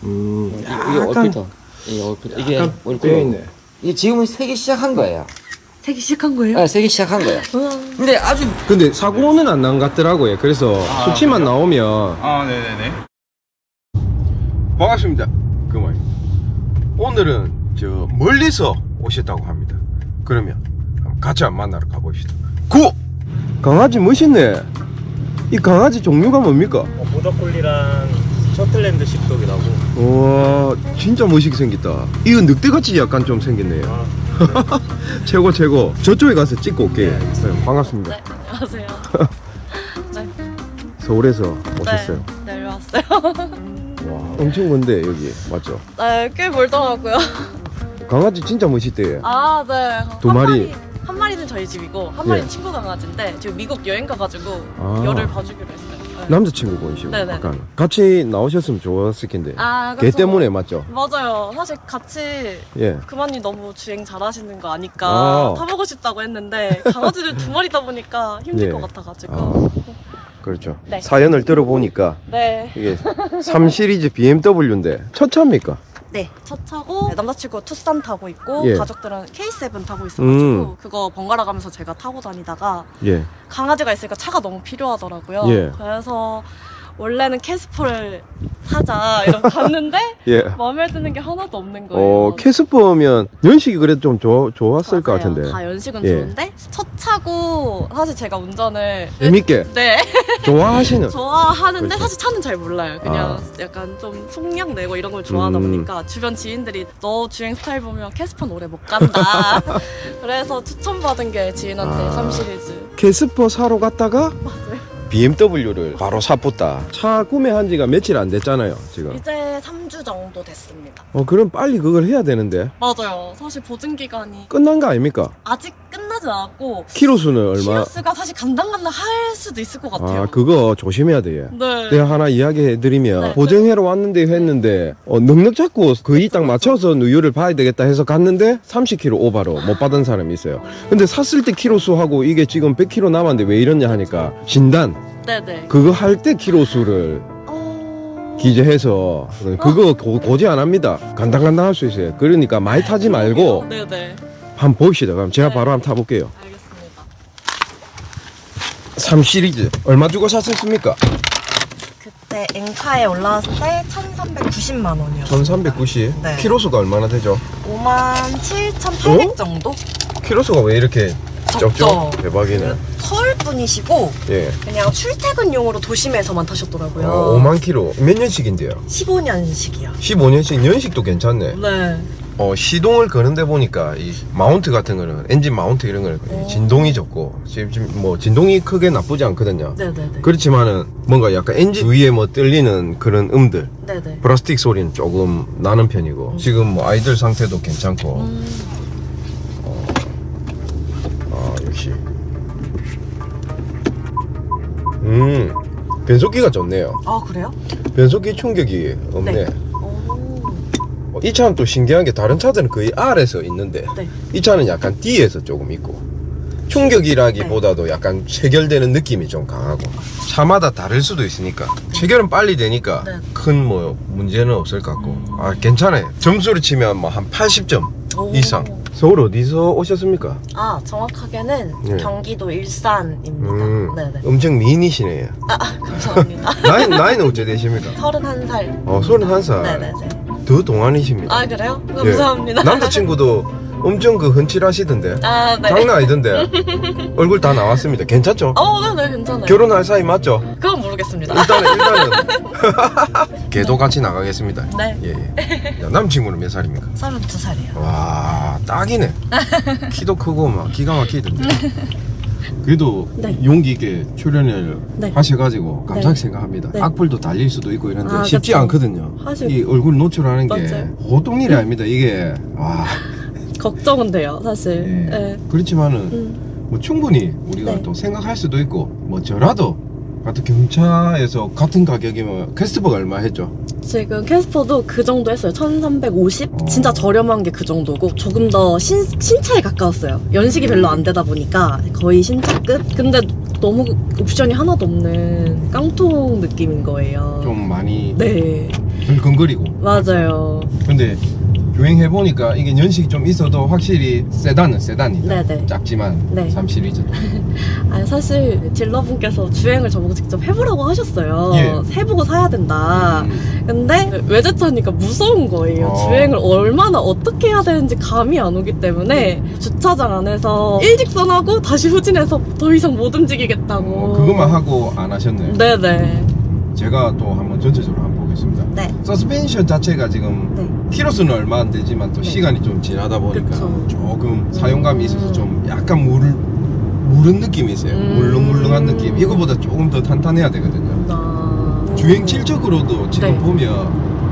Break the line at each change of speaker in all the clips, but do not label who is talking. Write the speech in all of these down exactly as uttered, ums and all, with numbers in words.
음,
이게
약간
얼핏터. 이게 얼핏터. 이게
약간
얼핏터.
빼어 있네.
이게 지금은 세기 시작한 거예요.
세기 시작한 거예요?
네, 세기 시작한 거예요.
우와.
근데 아주
근데 사고는 안 난 것 같더라고요. 그래서
아,
수치만
그래요?
나오면.
아, 네네네.
반갑습니다. 그만. 오늘은 저 멀리서 오셨다고 합니다. 그러면 한번 같이 한번 만나러 가봅시다. 구! 강아지 멋있네. 이 강아지 종류가 뭡니까?
어, 보더콜리랑 셔틀랜드 십독이라고.
와, 진짜 멋있게 생겼다. 이거 늑대같이 약간 좀 생겼네요.
아,
최고 최고. 저쪽에 가서 찍고 올게요. 네, 반갑습니다.
네, 안녕하세요. 네,
서울에서 오셨어요.
네, 내려왔어요.
와, 엄청 먼데 여기 맞죠?
네, 꽤 멀더라고요.
강아지 진짜 멋있대요.
아, 네.
두
한
마리.
한 마리는 저희 집이고 한 마리는
예.
친구 강아지인데 지금 미국 여행 가가지고
아.
열을 봐주기로 했어요. 네.
남자친구분이시고
네네.
아까 같이 나오셨으면 좋았을 텐데.
아,
걔
그쵸.
때문에 맞죠?
맞아요. 사실 같이
예.
그만님 너무 주행 잘하시는 거 아니까
아.
타보고 싶다고 했는데 강아지들 두 마리다 보니까 힘들
예.
것 같아가지고.
아. 그렇죠.
네.
사연을 들어보니까
네.
이게 삼 시리즈 비엠더블유인데 첫 차입니까?
네, 첫 차고 네, 남자친구 투싼 타고 있고
예.
가족들은 케이 세븐 타고 있어가지고
음.
그거 번갈아 가면서 제가 타고 다니다가
예.
강아지가 있으니까 차가 너무 필요하더라고요.
예.
그래서 원래는 캐스퍼를 사자 이러고 갔는데
예.
마음에 드는 게 하나도 없는 거예요.
어, 캐스퍼면 연식이 그래도 좀 좋, 좋았을 것
맞아요.
같은데.
다 연식은
예.
좋은데 첫 차고 사실 제가 운전을
재밌게
네
좋아하시는.
좋아하는데
그렇죠.
사실 차는 잘 몰라요. 그냥
아.
약간 좀 속력 내고 이런 걸 좋아하다
음.
보니까 주변 지인들이 너 주행 스타일 보면 캐스퍼는 오래 못 간다. 그래서 추천받은 게 지인한테
아.
삼 시리즈.
캐스퍼 사러 갔다가
맞아요.
비엠더블유를 바로 사붙다. 차 구매한 지가 며칠 안 됐잖아요, 지금.
이제 삼 주 정도 됐습니다.
어, 그럼 빨리 그걸 해야 되는데.
맞아요. 사실 보증 기간이
끝난 거 아닙니까?
아직 끝나지 않았고
키로수는 얼마?
키로수가 사실 간당간당 할 수도 있을 것 같아요.
아, 그거 조심해야 돼요.
네.
내가 하나 이야기해드리면
네.
보정해러 왔는데 했는데 어, 넉넉 잡고 거의 딱 맞춰서 누유를 봐야 되겠다 해서 갔는데 삼십 킬로미터 오바로 못 받은 사람이 있어요. 근데 샀을 때 키로수하고 이게 지금 백 킬로미터 남았는데 왜 이러냐 하니까 진단
네네.
그거 할 때 키로수를
어...
기재해서 그거 고, 고지 안 합니다. 간당간당 할 수 있어요. 그러니까 많이 타지 말고
네네.
한번 봅시다. 그럼 제가
네.
바로 한번 타볼게요.
알겠습니다.
삼 시리즈 얼마 주고 샀었습니까?
그때 엔카에 올라왔을 때 천삼백구십만 원이었어요.
천삼백구십.
네.
키로수가 얼마나 되죠?
오만 칠천팔백
어?
정도?
키로수가 왜 이렇게 적죠?
적죠.
대박이네.
서울 분이시고
예.
그냥 출퇴근용으로 도심에서만 타셨더라고요.
어, 오만 킬로. 몇 년씩인데요?
십오 년씩이요.
십오 년씩. 연식도 괜찮네.
네.
어, 시동을 거는데 보니까 이 마운트 같은 거는 엔진 마운트 이런 거는
오.
진동이 적고 지금 지금 뭐 진동이 크게 나쁘지 않거든요.
네네네.
그렇지만은 뭔가 약간 엔진 위에 뭐 떨리는 그런 음들,
네네.
플라스틱 소리는 조금 나는 편이고
음.
지금 뭐 아이들 상태도 괜찮고.
음,
아, 역시. 음, 변속기가 좋네요.
아 그래요?
변속기 충격이 없네.
네. 오.
어, 이 차는 또 신기한 게 다른 차들은 거의 R에서 있는데
네.
이 차는 약간 D에서 조금 있고 충격이라기보다도 약간 체결되는 느낌이 좀 강하고 차마다 다를 수도 있으니까 체결은 빨리 되니까
네.
큰 뭐 문제는 없을 것 같고 아 괜찮아요. 점수를 치면 뭐 한 팔십 점
오.
이상. 서울 어디서 오셨습니까?
아 정확하게는
네.
경기도 일산입니다.
음,
네네.
엄청 미인이시네요.
아 감사합니다.
나이, 나이는 어째 되십니까?
서른한 살.
어, 서른한 살.
네네네.
더 동안이십니다.
아 그래요?
예.
감사합니다.
남자친구도 엄청 그 흔칠하시던데.
아 네.
장난 아니던데. 얼굴 다 나왔습니다. 괜찮죠?
어 네네 괜찮아요.
결혼할 사이 맞죠?
그건 모르겠습니다.
일단은 일단은 걔도 같이 나가겠습니다.
네.
예, 예. 야, 남친구는 몇 살입니까?
서른두 살이요.
와 딱이네. 키도 크고 막 기가 막히던데. 그래도
네.
용기 있게 출연을
네.
하셔가지고 감사하게
네.
생각합니다.
네.
악플도 달릴 수도 있고 이런데
아,
쉽지
그쵸.
않거든요.
사실
이 얼굴 노출하는 게
맞아요.
보통 일이 아닙니다. 이게 와.
걱정은 돼요 사실.
예.
네.
그렇지만은
음.
뭐 충분히 우리가
네.
또 생각할 수도 있고 뭐 저라도 같은 경차에서 같은 가격이면 캐스트버가 얼마 했죠?
지금 캐스퍼도 그 정도 했어요. 천삼백오십?
어.
진짜 저렴한 게 그 정도고 조금 더 신, 신차에 가까웠어요. 연식이 별로 안 되다 보니까 거의 신차급? 근데 너무 옵션이 하나도 없는 깡통 느낌인 거예요.
좀 많이
네.
덜컹거리고.
맞아요.
근데 주행해보니까 이게 연식이 좀 있어도 확실히 세단은 세단이다.
네네.
작지만
네.
삼 시리즈.
아니 사실 딜러분께서 주행을 저보고 직접 해보라고 하셨어요.
예.
해보고 사야 된다.
음.
근데 외제차니까 무서운 거예요.
어.
주행을 얼마나 어떻게 해야 되는지 감이 안 오기 때문에 주차장 안에서 일직선하고 다시 후진해서 더 이상 못 움직이겠다고.
어, 그것만 하고 안 하셨네요.
네네.
제가 또 한번 전체적으로 한번 보겠습니다.
네.
서스펜션 자체가 지금
네.
키로수는 얼마 안 되지만 또
네.
시간이 좀 지나다 보니까
그쵸.
조금 사용감이 있어서
음.
좀 약간 물, 무른 느낌이 있어요.
음.
물렁물렁한 느낌. 이거보다 조금 더 탄탄해야 되거든요.
아...
주행 질적으로도 지금
네.
보면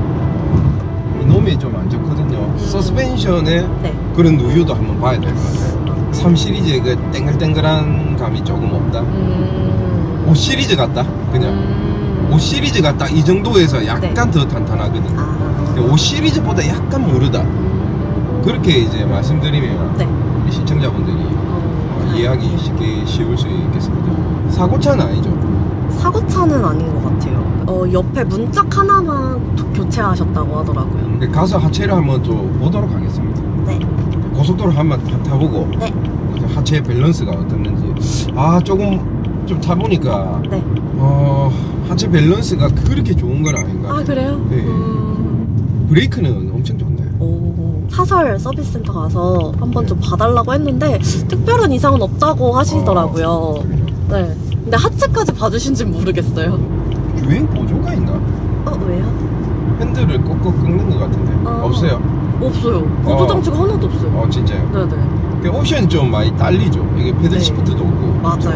이놈이 좀 안 좋거든요.
음.
서스펜션의
네.
그런 누유도 한번 봐야 될 것 같아요. 삼 시리즈의 그 땡글땡글한 감이 조금 없다.
음...
오 시리즈 같다. 그냥
음...
오 시리즈가 딱 이 정도에서 약간
네.
더 탄탄하거든요.
아...
오 시리즈보다 약간 무르다.
음...
그렇게 이제 말씀드리면
네.
우리 시청자분들이
어...
이해하기 쉽게 쉬울 수 있겠습니다. 사고차는 아니죠?
사고차는 아닌 것 같아요. 어, 옆에 문짝 하나만 도- 교체하셨다고 하더라고요.
근데 가서 하체를 한번 또 보도록 하겠습니다.
네.
고속도로 한번 타- 타보고
네.
그래서 하체 밸런스가 어떻는지 아 조금 좀 타보니까
네.
어 하체 밸런스가 그렇게 좋은 건 아닌 것 같아요.
아, 그래요?
네.
음...
브레이크는 엄청 좋네.
오, 사설 서비스 센터 가서 한번
네.
좀 봐달라고 했는데 특별한 이상은 없다고 하시더라고요.
어, 그래요?
네. 근데 하체까지 봐주신진 모르겠어요.
주행 보조가 있나?
어, 왜요?
핸들을 꺾어 꺾는 것 같은데
어.
없어요?
없어요. 보조 장치가 하나도 없어요.
어 진짜요?
네네.
그 옵션이 좀 많이 딸리죠. 이게 패들
네.
시프트도 없고.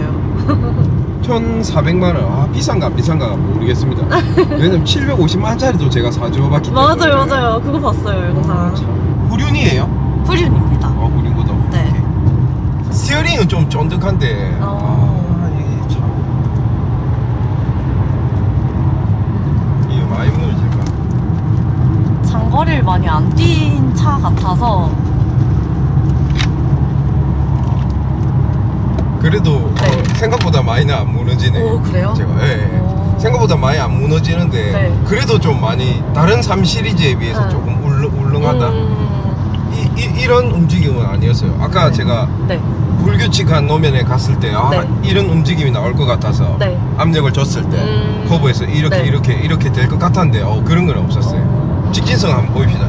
맞아요.
천사백만 원. 아 비싼가 비싼가 모르겠습니다. 왜냐면 칠백오십만 원짜리도 제가 사줘봤기 때문에.
맞아요, 맞아요. 그거 봤어요,
아,
영상.
참. 후륜이에요?
후륜입니다.
어 후륜거도.
네.
오케이. 스티어링은 좀 쫀득한데.
어.
아 이게 참. 이게 많이 무너질까?
장거리를 많이 안 뛴 차 같아서.
그래도
네.
어, 생각보다 많이는 안 무너지네.
오, 그래요?
제가 예, 예.
오.
생각보다 많이 안 무너지는데
네.
그래도 좀 많이 다른 삼 시리즈에 비해서
네.
조금 울렁, 울렁하다.
음...
이, 이, 이런 움직임은 아니었어요. 아까
네.
제가
네.
불규칙한 노면에 갔을 때 아,
네.
이런 움직임이 나올 것 같아서
네.
압력을 줬을 때
음...
커브에서 이렇게
네.
이렇게 이렇게 될 것 같았는데 어, 그런 건 없었어요.
어...
직진성 한번 보입시다.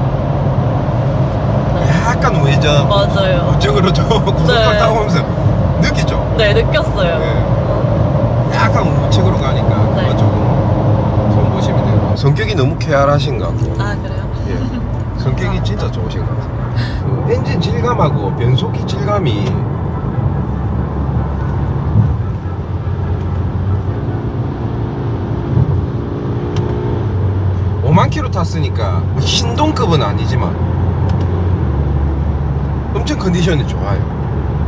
네.
약간 우회전
맞아요.
우측으로 저 고속도로
네.
타고 오면서 느끼죠?
네, 느꼈어요.
네. 약간 우측으로 가니까
네.
그거 조금 손 보시면 되고 성격이 너무 쾌활하신 것 같고
아, 그래요?
예. 성격이 진짜 좋으신 것 같아요. 그 엔진 질감하고 변속기 질감이 오만 킬로 탔으니까 신동급은 아니지만 엄청 컨디션이 좋아요.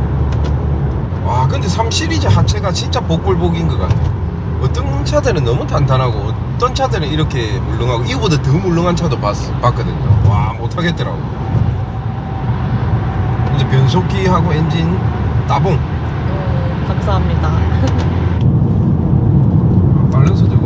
와 근데 삼 시리즈 하체가 진짜 복불복인 것 같네. 어떤 차들은 너무 탄탄하고 어떤 차들은 이렇게 물렁하고 이거보다 더 물렁한 차도 봤, 봤거든요. 와 못하겠더라고. 이제 변속기하고 엔진 따봉.
음, 감사합니다.
밸런스적으로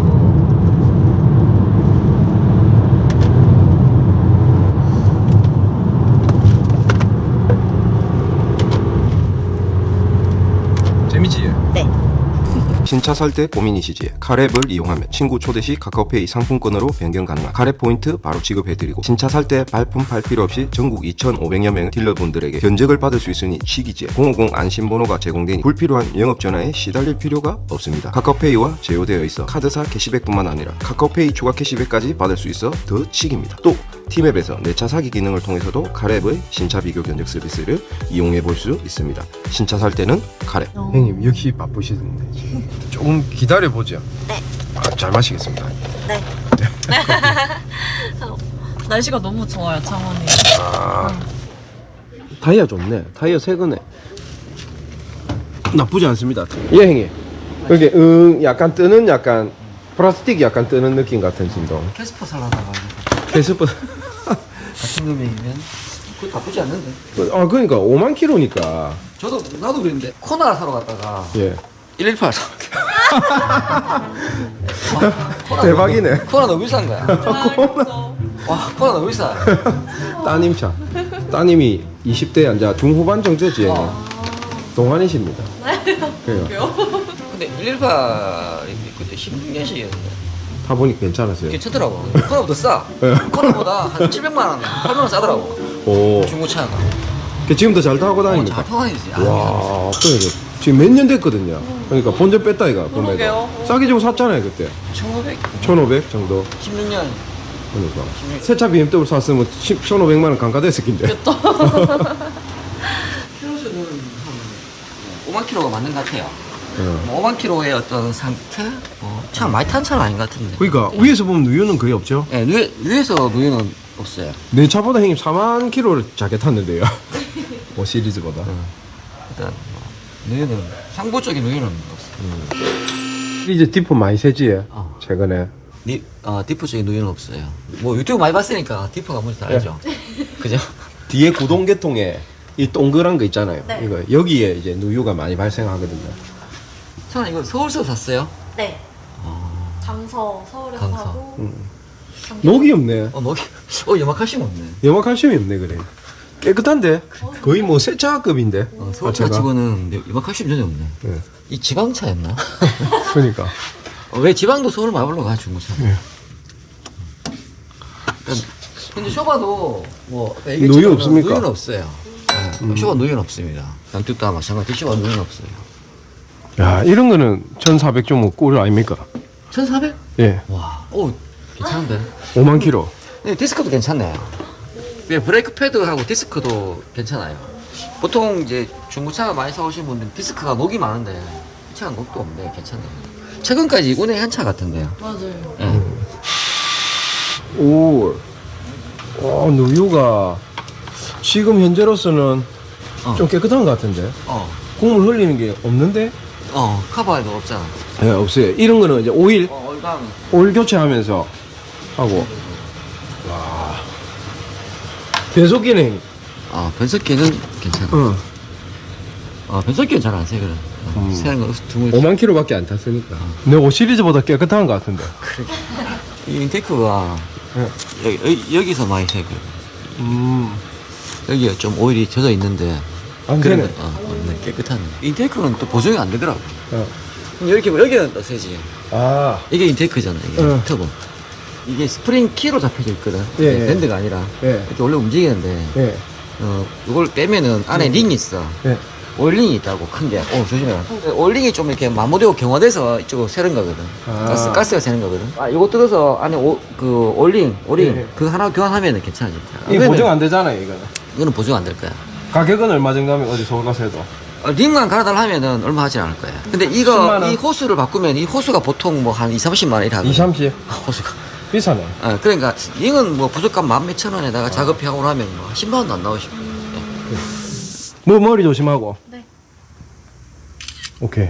재미지?
네.
신차 살 때 고민이시지? 카랩을 이용하면 친구 초대 시 카카오페이 상품권으로 변경 가능한 카랩 포인트 바로 지급해드리고 신차 살 때 발품 팔 필요 없이 전국 이천오백여 명의 딜러분들에게 견적을 받을 수 있으니 시기지에 공오공 안심번호가 제공되니 불필요한 영업전화에 시달릴 필요가 없습니다. 카카오페이와 제휴되어 있어 카드사 캐시백뿐만 아니라 카카오페이 추가 캐시백까지 받을 수 있어 더 치기입니다. 또 티맵에서 내 차 사기 기능을 통해서도 카랩의 신차 비교 견적 서비스를 이용해 볼 수 있습니다. 신차 살 때는 카랩.
어.
형님 역시 바쁘시던데 지금 조금 기다려 보죠.
네.
아, 잘 마시겠습니다.
네. 날씨가 너무 좋아요, 창원이.
아, 타이어 좋네. 타이어 새 거네. 나쁘지 않습니다. 예, 형님. 여기 응 약간 뜨는 약간 플라스틱이 약간 뜨는 느낌 같은 진동.
캐스퍼 살라다가
캐스퍼.
같은 금액이면 그거 나쁘지 않는데.
아 그러니까 오만 킬로니까.
저도 나도 그랬는데 코나 사러 갔다가
예.
일일팔 사.
대박이네.
코나 너무 비싼 거야.
아,
와, 코나 너무 비싸.
따님 차. 따님이 이십 대 이제 중후반 정도지.
어.
동안이십니다. 그래요.
근데 일일팔이 그때 십육 년씩이었는데
타보니까 괜찮았어요.
괜찮더라고. 코나보다 싸.
네.
코나보다 한 칠백만 원, 팔백만 원 싸더라고.
오.
중고차가.
그 지금도 잘 타고
어,
다닙니까?
잘 타고 다니지. 아,
와, 그래. 지금 몇 년 됐거든요. 그러니까 본전 뺐다 이가 구매가.
그러게요.
싸게 주고 샀잖아요 그때.
천오백,
천오백 정도.
십육 년.
그러니까 새차 비엠더블유 샀으면 천오백만 원 감가됐을 낀데.
키로수는 한 오만 킬로가 맞는 것 같아요.
예.
뭐 오만 킬로의 어떤 상태? 뭐, 차 많이 탄 차는 아닌 것 같은데.
그러니까 위에서 보면 누유는 거의 없죠.
네, 위에, 위에서 누유는 없어요.
내 차보다 형님 사만 킬로를 작게 탔는데요. 뭐 시리즈보다.
일단 뭐, 누유는 상부 쪽에 누유는 없어요.
이제 디프 많이 세지.
어.
최근에.
니, 어, 디프 쪽에 누유는 없어요. 뭐 유튜브 많이 봤으니까 디프가 뭔지 다 알죠. 그죠?
뒤에 구동계통에 이 동그란 거 있잖아요.
네.
이거 여기에 이제 누유가 많이 발생하거든요.
저는 이거 서울서 샀어요.
네.
어,
강서 서울에서
강서.
하고
음. 녹이 없네.
어 녹이, 어 염화칼슘 없네.
염화칼슘이 없네 그래. 깨끗한데 거의 뭐 세차급인데.
어, 서울차 치고는 염화칼슘 전혀 없네.
네.
이 지방차였나?
그러니까.
어, 왜 지방도 서울 많이 올라가 중고차?
네.
근데 쇼바도 뭐 아까
누유
얘기했지만
없습니까?
누유는 없어요. 네, 쇼바 누유는 없습니다. 양쪽 다 마찬가지. 쇼바 누유는 없어요.
야 이런 거는 천사백 좀 꿀 아닙니까?
천사백?
예.
와, 오 괜찮은데?
오만 킬로.
네, 디스크도 괜찮네요. 예, 브레이크 패드하고 디스크도 괜찮아요. 보통 이제 중고차가 많이 사오신 분들은 디스크가 녹이 많은데 이 차는 녹도 없네. 괜찮네요. 최근까지 운행 한 차 같은데요.
맞아요.
예.
오. 어 누유가 지금 현재로서는
어.
좀 깨끗한 것 같은데.
어,
국물 흘리는 게 없는데?
어, 카바에도 없잖아.
예, 없어요. 이런 거는 이제 오일,
어, 얼감.
오일 교체하면서 하고. 와. 변속 기능.
아, 변속기는 괜찮아.
어.
어, 변속기는 잘 안 새거든. 어,
음.
새는 거 드물.
오만 킬로밖에 안 탔으니까. 내 오 시리즈보다 깨끗한 것 같은데.
이 인테이크가
예.
여기, 여기, 여기서 많이 새고
음.
여기가 좀 오일이 젖어 있는데
안
그런
되네.
건, 어, 없네. 깨끗한. 인테이크는 또 보정이 안 되더라고.
어.
근데 이렇게 보면 여기는 또 새지.
아.
이게 인테이크잖아. 이게
어.
터보. 이게 스프링 키로 잡혀져 있거든.
예,
이게
예.
밴드가 아니라
예.
이렇게 원래 움직이는데
예.
어 이걸 빼면은 안에 링이 있어.
예.
오일링이 있다고 큰 게. 어 조심해라. 오일링이 좀 이렇게 마모되고 경화돼서 이쪽으로 새는 거거든.
아.
가스 가스가 새는 거거든. 아 이거 뜯어서 안에 오, 그 오일링 오링
예.
그 하나 교환하면은 괜찮아지.
이거 보정 안 되잖아요, 이거는.
이거는 보증 안 될 거야.
가격은 얼마 정도 하면 어디 서울 가서 해도?
어, 링만 갈아달라 하면은 얼마 하진 않을 거야. 근데
십만
이거
원?
이 호스를 바꾸면 이 호스가 보통 뭐 한 이, 삼십만 원 이래 하거든.
이, 삼십?
호스가.
비싸네.
어, 그러니까 링은 뭐 부족한 만 몇천 원에다가 작업해 하고 나면 뭐 십만 원도 안 나오시고.
뭐 머리 조심하고.
네.
오케이.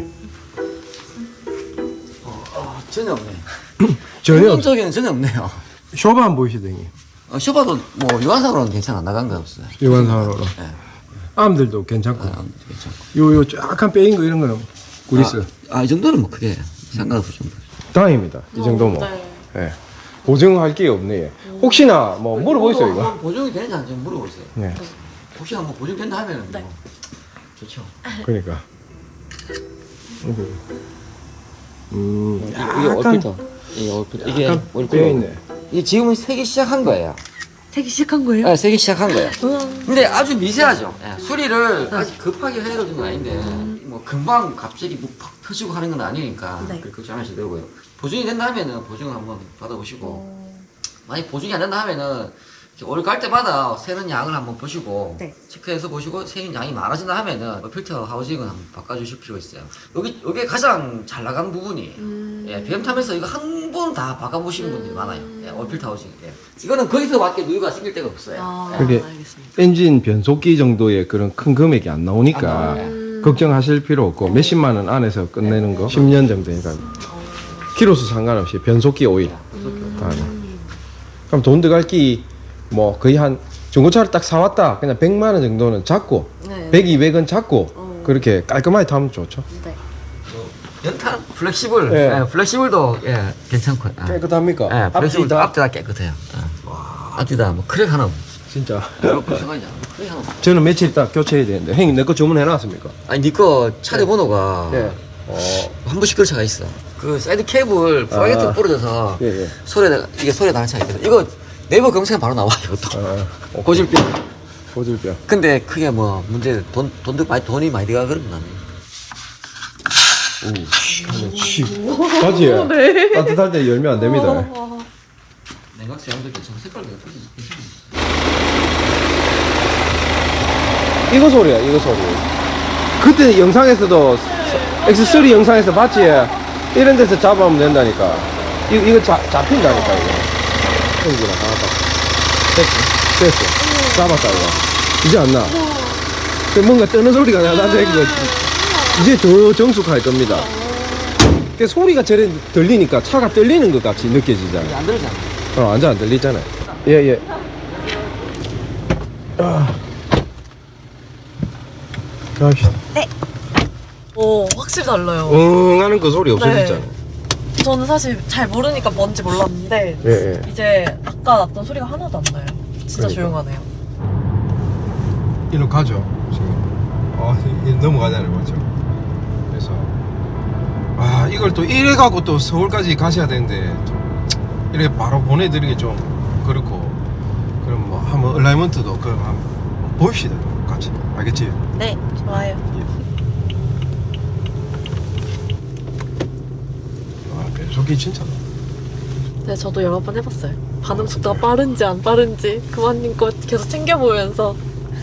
어, 전혀 없네.
전혀
기본적인 전혀 없네요.
쇼바 안 보이시더니.
어, 쇼바도 뭐 유한상으로는 괜찮아. 나간 거 없어요.
유관상으로.
예.
암들도 괜찮고.
아, 괜찮고.
요, 요 쫙한 빼인 거 이런 거는 구리스.
아, 아, 이 정도는 뭐 크게 상관없을 정도.
다행입니다. 이 정도 뭐.
네.
예. 보증할 게 없네. 예. 혹시나 뭐 물어보세요, 이거.
한번 보증이 되는지 안 되는지 물어보세요.
네.
혹시나 뭐 보증된다 하면은
네.
뭐 좋죠.
그러니까. 음,
이게
약간
얼핏터. 이게 얼핏터. 이게
약간
얼핏터.
빼어있네.
이게 지금은 새기 시작한 거예요.
새기 시작한 거예요?
네, 새기 시작한 거예요.
우와.
근데 아주 미세하죠. 예, 수리를 아직 급하게 해야 되는 건 아닌데 뭐 금방 갑자기 뭐팍 터지고 하는 건 아니니까
네.
그렇게 걱정 안 하셔도 되고요. 보증이 된다 하면은 보증을 한번 받아보시고 만약 보증이 안 된다 하면은 올 갈 때마다 새는 양을 한번 보시고
네.
체크해서 보시고 새는 양이 많아진다 하면은 뭐 필터 하우징은 한번 바꿔주실 필요가 있어요. 여기 여기 가장 잘 나간 부분이
음.
예, 비엠 타면서 이거 한 번 다 바꿔보시는 분들이 많아요. 예, 올필터 하우징. 예. 이거는 거기서밖에 누유가 생길 데가 없어요.
아,
예.
그게
알겠습니다.
엔진 변속기 정도의 그런 큰 금액이 안
안
나오니까
나와요.
음.
걱정하실 필요 없고 몇십만 원 안에서 끝내는 거 십 년 정도니까 키로수 상관없이 변속기 오일 다 하네. 그럼 돈 들어갈 기 뭐 거의 한 중고차를 딱 사왔다 그냥 백만 원 정도는 잡고
네.
백, 이백 원 잡고
어.
그렇게 깔끔하게 타면 좋죠.
네.
연탄 플렉시블.
예.
예, 플렉시블도 예 괜찮고. 예.
깨끗합니까?
예, 플렉시블도
앞뒤
앞뒤 다 깨끗해요. 예. 앞뒤 다 뭐 크랙 하나 없어.
진짜.
이렇게 생각하지 않아. 크랙 하나 없어.
저는 며칠 있다 교체해야 되는데 형님 내 거 주문해놨습니까?
아니 니거 차례 번호가
예. 어.
한 번씩 그차가 있어. 그 사이드 케이블 프라이게트
아.
부러져서
예, 예.
소리가 이게 소리 나는 차가 있거든. 이거 네이버 검색하면 바로 나와 이것도.
아,
고질병.
고질병.
근데 크게 뭐 문제 돈 돈도 많이 돈이 많이 들어가 그런 건 아니에요.
바지에
네.
따뜻할 때 열면 안 됩니다.
와.
냉각수 양도 괜찮고 색깔도 예쁘지.
이거 소리야, 이거 소리. 그때 영상에서도 엑스 쓰리 영상에서 봤지? 이런 데서 잡아오면 된다니까. 이거, 이거 잡, 잡힌다니까, 이거. 형구나, 나왔다. 됐어. 됐어. 잡았다, 이거. 이제 안 나. 근데 뭔가 뜨는 소리가 나는데, 이거. 이제 더 정숙할 겁니다. 그 소리가 저래 들리니까 차가 떨리는 것 같이 느껴지잖아요.
안 들리잖아.
어, 완전 안 들리잖아요. 예, 예. 아. 갑시다.
오, 확실히 달라요.
응 하는 그 소리 없어졌잖아.
저는 사실 잘 모르니까 뭔지 몰랐는데
예, 예.
이제 아까 났던 소리가 하나도 안 나요. 진짜
그러니까.
조용하네요.
이리로 가죠, 지금. 어, 이- 이 넘어가잖아요, 맞죠? 그래서, 아, 이걸 또 이래 가고 또 서울까지 가셔야 되는데, 좀, 이렇게 바로 보내드리기 좀 그렇고, 그럼 뭐, 한번 얼라이먼트도 그럼 한번 봅시다, 같이. 알겠지?
네, 좋아요.
아, 배속이 진짜.
네, 저도 여러 번 해봤어요. 반응 속도가 빠른지 안 빠른지 그만님 거 계속 챙겨보면서.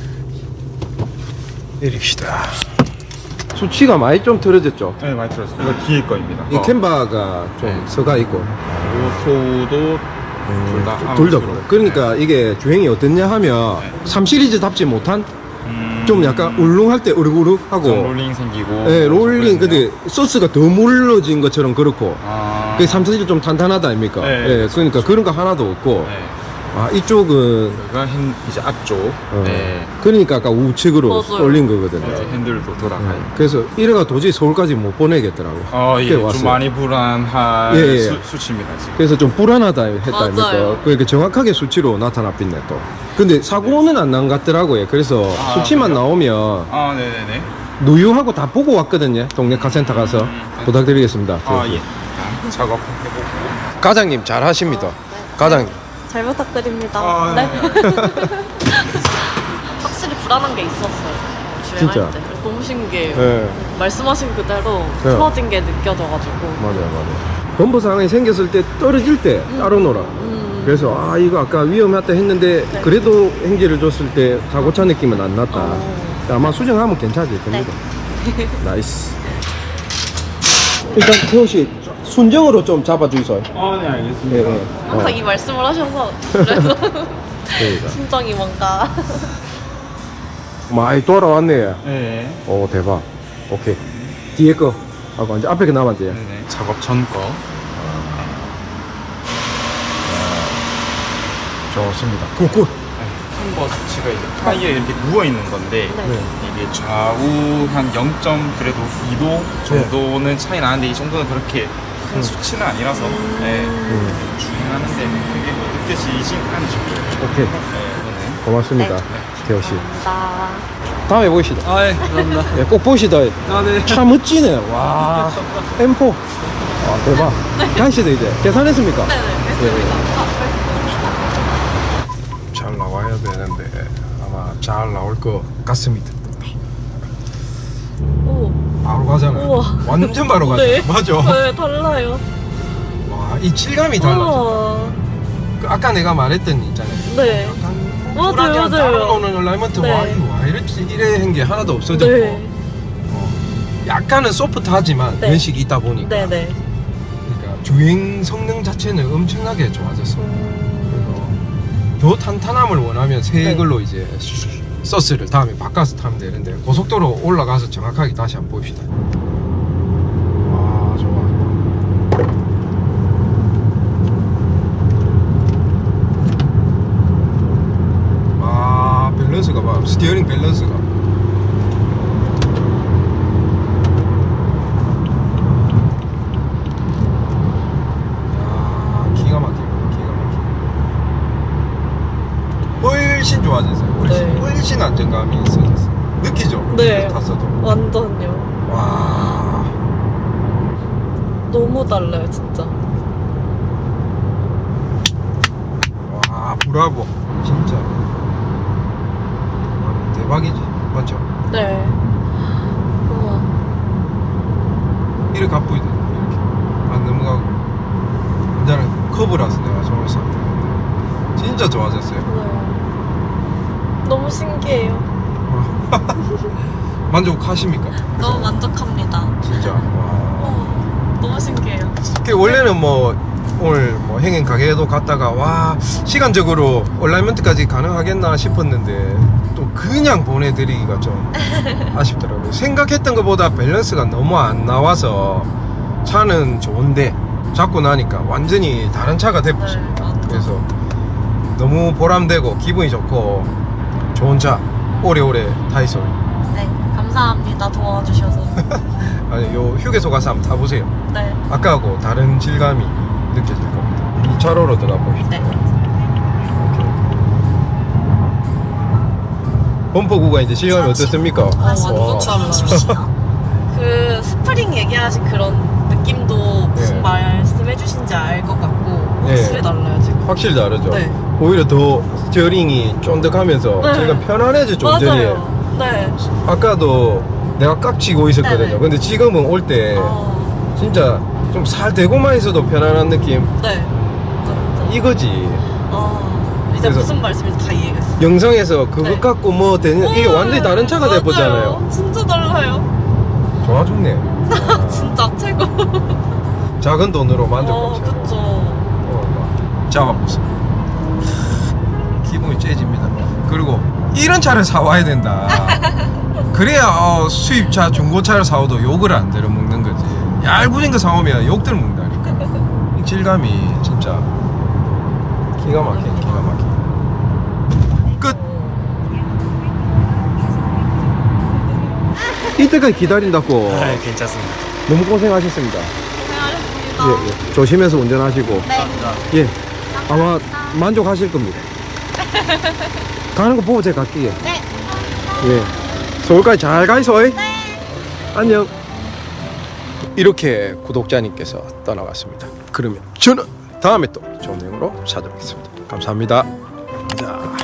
내립시다. 수치가 많이 좀 틀어졌죠?
네, 많이 들었어요. 이거 뒤에 거입니다.
이 캠바가 좀
네.
서가 있고.
오토도 둘 다.
음, 둘 다 그래. 그러니까 이게 주행이 어땠냐 하면
네.
삼 시리즈답지 못한
음,
좀 약간 울릉할 때 으르르하고
좀 롤링 생기고.
예, 롤링
그랬네요.
근데 소스가 더 물러진 것처럼 그렇고
아.
그 삼 시리즈 좀 탄탄하다 아닙니까?
네,
예,
그렇죠,
그러니까
그렇죠.
그런 거 하나도 없고
네.
아 이쪽은
여기가 핸, 이제 앞쪽.
어,
네.
그러니까 아까 우측으로
맞아요.
쏠린 거거든요.
이제 핸들도 돌아가요.
예, 그래서 이래가 도저히 서울까지 못 보내겠더라고.
어,
꽤
이게 좀
왔어요.
많이 불안한
예, 예.
수, 수치입니다. 지금.
그래서 좀 불안하다 했다
맞아요.
아닙니까? 그러니까 정확하게 수치로 나타났겠네 또. 근데 사고는 안 난 것 같더라고요. 그래서
아,
수치만
그래요?
나오면
아, 네네네.
누유하고 다 보고 왔거든요. 동네 카센터 가서
음,
부탁드리겠습니다.
아, 예. 자, 작업해보고.
과장님 잘 하십니다. 과장님.
잘 부탁드립니다.
아,
네.
네.
확실히 불안한 게 있었어요. 주행할
진짜?
때. 너무 신기해요.
네.
말씀하신 그대로
네.
틀어진 게 느껴져가지고.
맞아요, 맞아요. 범퍼 상황이 생겼을 때 떨어질 때 따로 놀아.
음.
그래서 아 이거 아까 위험하다 했는데
네.
그래도 행지를 줬을 때 사고차 느낌은 안 났다.
어.
아마 수정하면 괜찮을 겁니다.
네.
나이스. 일단 태호 씨 순정으로 좀 잡아주이소.
아, 네, 알겠습니다.
예, 예.
항상
어,
이 말씀을 하셔서 그래서
그러니까.
심정이 뭔가.
많이 돌아왔네.
네.
오 대박. 오케이. 뒤에 거 하고 이제 앞에 거 남았대요.
네네. 작업 전 거.
좋습니다. 굿굿.
한 수치가 이제 타이어에 이렇게 누워 있는 건데
네.
이게 좌우 한 영 점 그래도 이 도 정도는 차이 나는데 이 정도는 그렇게 큰 수치는 아니라서 네.
음,
주행하는데 그게 뭐 느껴지진 않죠.
오케이.
네.
고맙습니다. 태호 씨.
감사합니다.
다음에 보시다.
아, 예, 감사합니다.
예, 꼭 보시다.
아, 네.
차 멋지네. 와. 엠 사. 와, 대박. 간시다 이제. 계산했습니까?
네네, 됐습니다.
잘 나와야 되는데 아마 잘 나올 것 같습니다.
오,
바로 가잖아요.
우와.
완전 바로 가죠.
네.
맞아.
네, 달라요.
와, 이 질감이 달라져.
우와.
그 아까 내가 말했던 있잖아요.
네.
약간
맞아요,
불안이랑
맞아요.
따라오는 얼라이먼트
네.
와, 이거 와 이랬지 이래 한 게 하나도 없어졌고
네.
어, 약간은 소프트하지만
네.
연식이 있다 보니까
네네.
그러니까 주행 성능 자체는 엄청나게 좋아졌어.
음,
더 탄탄함을 원하면 새
네.
걸로 이제 서스를 다음에 바꿔서 타면 되는데 고속도로 올라가서 정확하게 다시 한번 봅시다. 와 좋아 좋아. 아 밸런스가 봐. 스티어링 밸런스가 훨씬 좋아졌어요. 훨씬,
네.
훨씬 안정감이 있어졌어요. 느끼죠?
네.
탔어도.
완전요.
와.
너무 달라요, 진짜.
와, 브라보. 진짜. 와, 대박이지. 맞죠?
네. 우와.
이렇게 가쁘이 되네. 이렇게. 안 넘어가고. 이제는 커브라서 내가 손을 썼는데. 진짜 좋아졌어요.
네. 너무 신기해요.
만족하십니까?
너무 만족합니다.
진짜. 와.
어, 너무 신기해요.
그 원래는 뭐 오늘 뭐 행인 가게에도 갔다가 와 시간적으로 얼라이먼트까지 가능하겠나 싶었는데 또 그냥 보내드리기가 좀 아쉽더라고요. 생각했던 것보다 밸런스가 너무 안 나와서 차는 좋은데 잡고 나니까 완전히 다른 차가 돼버렸어요.
네, 완전.
그래서 너무 보람되고 기분이 좋고 좋은 차 오래오래 타 있어요.
네, 감사합니다. 도와주셔서.
아니 요 휴게소 가서 한번 타보세요.
네.
아까하고 다른 질감이 느껴질 겁니다. 이 차로로 들어가 보시죠.
네.
범퍼 구간 이제 실감이 어떻습니까?
아, 완전
와.
달라요. 그 스프링 얘기하신 그런 느낌도 무슨
네.
말씀해 주신지 알 것 같고
네.
확실히 달라요, 지금.
확실히 다르죠.
네.
오히려 더 스티어링이 쫀득하면서
네.
제가 편안해져 좀 전에.
맞아요. 네.
아까도 내가 깍지고 있었거든요.
네네.
근데 지금은 올 때
어,
진짜 좀 살 대고만 있어도 편안한 느낌.
네. 진짜.
이거지.
아, 이제
그래서-
무슨 말씀인지 다 이해가 했어요.
영상에서 그것
네.
갖고 뭐 되는 이게
오,
완전히 다른 차가
맞아요.
돼보잖아요.
진짜 달라요.
좋아 좋네. 아,
진짜 최고.
작은 돈으로
어,
만족합시다.
그쵸.
어, 잡아보세요. 기분이 째집니다. 그리고 이런 차를 사와야 된다. 그래야 어, 수입차, 중고차를 사와도 욕을 안 들어먹는 거지. 얄궂은 거 사오면 욕 들어먹는다니까. 이 질감이 진짜 기가 막히네, 기가 막히네. 끝! 이때까지 기다린다고.
아, 괜찮습니다.
너무 고생하셨습니다.
고생하셨습니다.
예, 예. 조심해서 운전하시고.
네.
예, 아마 만족하실 겁니다. 가는 거 보고 제가 갈게요.
네.
예, 서울까지 잘 가이소. 네. 안녕. 이렇게 구독자님께서 떠나갔습니다. 그러면 저는 다음에 또 좋은 내용으로 찾아뵙겠습니다. 감사합니다. 자.